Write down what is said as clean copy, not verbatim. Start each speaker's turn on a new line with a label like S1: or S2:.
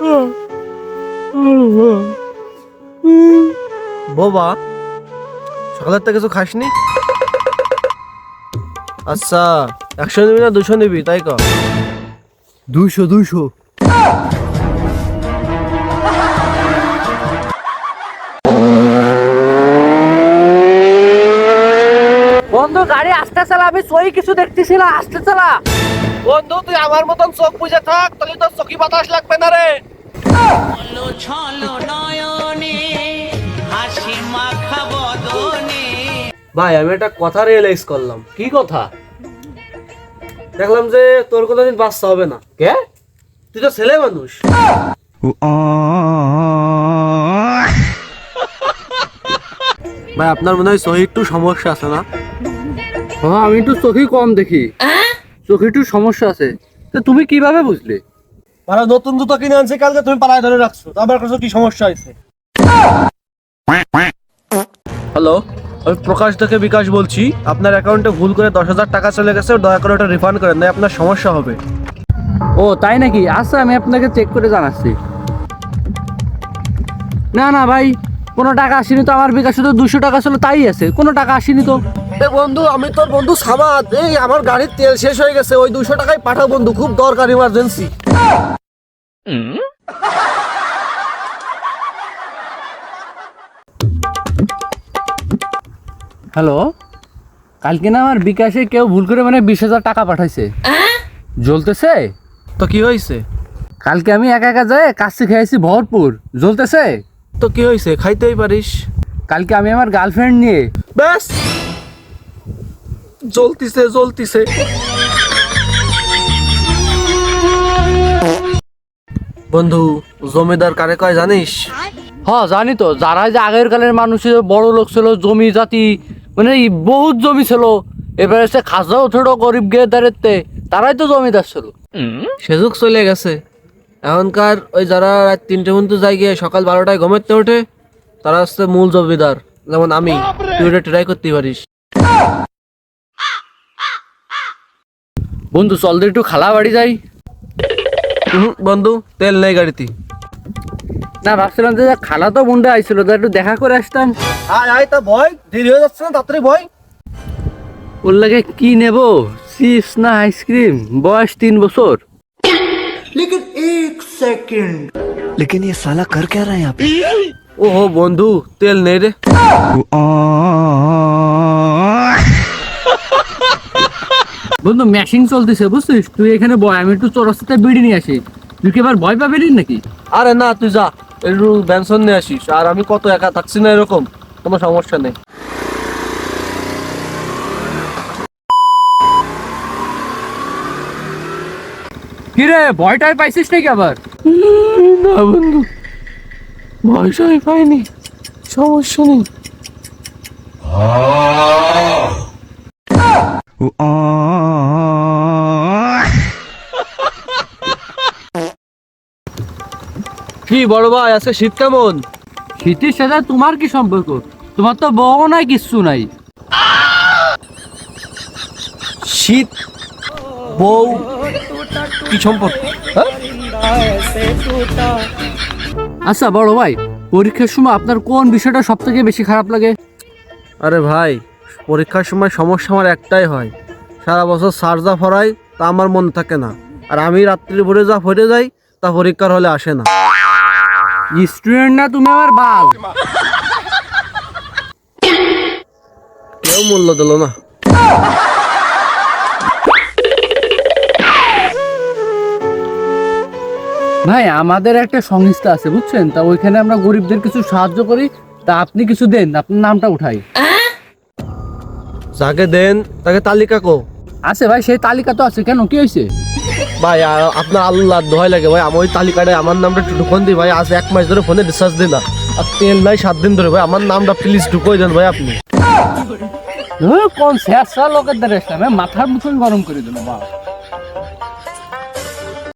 S1: বোবা, সকালের থেকে কিছু খাসনি? আচ্ছা, 100 নিবি না 200 নিবি তাই কর?
S2: 200।
S3: বন্ধু গাড়ি আস্তে চালা, আমি সই কিছু দেখতেছি না, আস্তে চালা।
S1: বন্ধু তুই আমার মতন চোখ বুঝে থাক, তাহলে তোর চোখে বাতাস লাগবে না রে। ভাই আমি একটা কথা রিয়েলাইজ করলাম।
S3: কি কথা?
S1: দেখলাম যে তোর কোনোদিন বাচ্চা হবে না।
S3: কে?
S1: তুই তো ছেলে মানুষ। ভাই আপনার মনে হয় সহি একটু সমস্যা আছে না?
S2: হ্যাঁ, আমি একটু চোখে কম দেখি, চোখে একটু সমস্যা আছে। তো তুমি কিভাবে বুঝলে?
S1: মানে নতুন জুতো কিনে আনছে কালকে, তুমি পালায় ধরে রাখছো, তো আবার কাছে কি সমস্যা হয়েছে? হ্যালো, আমি প্রকাশ থেকে বিকাশ বলছি। আপনার অ্যাকাউন্টে ভুল করে 10,000 টাকা চলে গেছে, দয়া করে ওটা রিফান্ড করেন, না আপনার সমস্যা হবে।
S2: ও তাই নাকি? আচ্ছা, আমি আপনাকে চেক করে জানাচ্ছি। না না ভাই, কোনো টাকা আসেনি তো। আমার বিকাশে তো 200 টাকা ছিল, তাই আছে, কোনো টাকা আসেনি তো।
S1: এ বন্ধু, আমি তোর বন্ধু সামাদ। এই আমার গাড়ির তেল শেষ হয়ে গেছে, ওই 200 টাকাই পাঠাও বন্ধু, খুব দরকার, ইমার্জেন্সি।
S2: হ্যালো, কালকে না আমার বিকাশে কেউ ভুল করে 20,000 টাকা পাঠাইছে। জ্বলতেছে
S1: তো কি হয়েছে?
S2: কালকে আমি একা একা যাই কাচ্চি খেয়েছি ভরপুর, জ্বলতেছে।
S1: তো কি হয়েছে? খাইতেই পারিস।
S2: কালকে আমি আমার গার্লফ্রেন্ড নিয়ে
S1: ব্যাস, জ্বলতিছে জ্বলতিছে। বন্ধু, জমিদার কারে কয় জানিস?
S2: হ্যাঁ জানি তো, যারা যে আগের কালের মানুষ ছিল, বড় লোক ছিল, জমি জাতি বহুত জমি ছিল, এবারে সে খাজা উঠেও গরিব গেদারেতে, তারাই তো জমিদার ছিল।
S1: সেযুগ চলে গেছে। এখনকার ওই যারা রাত 3টে পর্যন্ত যায় গিয়ে সকাল 12টায় ঘুমাতে ওঠে, তারা হচ্ছে মূল জমিদার। যেমন আমি, তুই ওটা ট্রাই করতে পারিস।
S2: বন্ধু চল দে একটু খালা বাড়ি যাই।
S1: বন্ধু, তেল নেই গাড়িতে।
S2: না, ভাবছিলাম যে খালা তো বন্ধু আইছিল, তো একটু দেখা করে আসতাম।
S1: আয় আয়, তা ভয় দেরি হয়ে যাচ্ছে না, তাড়াতাড়ি ভয়।
S2: ওর লাগে কি নেব, চিপস না আইসক্রিম? বয়স 3 বছর।
S4: लेकिन ये साला कर क्या रहा है यहाँ पे?
S1: ওহো বন্ধু, তেল নেই রে।
S2: বন্ধু ম্যাশিং চলতেছে বুঝছিস, তুই এখানে বয়, আমি একটু চৌরাস্তাতে বিড়ি নিয়ে আসি। তুই কি এবার ভয় পাবি নাকি?
S1: আরে না, তুই যা, একটু বেনসন নিয়ে আসিস। আর আমি কত একা থাকছি না, এরকম কোনো সমস্যা নেই।
S2: কিরে, ভয়টাই পাইছিস নাকি আবার?
S1: না বন্ধু, ভয়সাই পাইনি, সমস্যা নেই। কি বড় ভাই, আজকে শীত কেমন?
S2: শীতের সাথে তোমার কি সম্পর্ক? তোমার তো বউ নাই, কিচ্ছু নাই।
S1: শীত বউ কি সম্পর্ক?
S2: আচ্ছা বড় ভাই, পরীক্ষার সময় আপনার কোন বিষয়টা সব থেকে বেশি খারাপ লাগে?
S1: আরে ভাই, পরীক্ষার সময় সমস্যা আমার একটাই হয়, সারা বছর স্যার যা পড়ায় তা আমার মনে থাকে না, আর আমি রাত্রি ভোরে যা পড়ে যাই তা পরীক্ষার হলে আসে না।
S2: স্টুডেন্ট না তুমি আমার বাল।
S1: কেউ মূল্য দিল না।
S2: ভাই আমাদের একটা সংস্থা আছে বুঝছেন, তা ওইখানে আমরা গরিবদের কিছু সাহায্য করি, তা আপনি কিছু দেন, আপনার নামটা উঠাই।
S1: যাকে দেন তাকে তালিকা কো।
S2: আছে ভাই, সেই তালিকা তো আছে, কেন কি হয়েছে?
S1: ভাই আপনার আল্লাহ দোহাই লাগে ভাই, আমি ওই তালিকাটায় আমার নামটা একটু ঢুকন দিই ভাই। আজ 1 মাস ধরে ফোনে রিচার্জ দিই না, আর তেল নাই 7 দিন ধরে। ভাই আমার নামটা প্লিজ ঢুকোই দেন ভাই আপনি।
S2: কোন শেষ লোকের দ্বারা মাথার মুখে গরম করে দিল বাবা।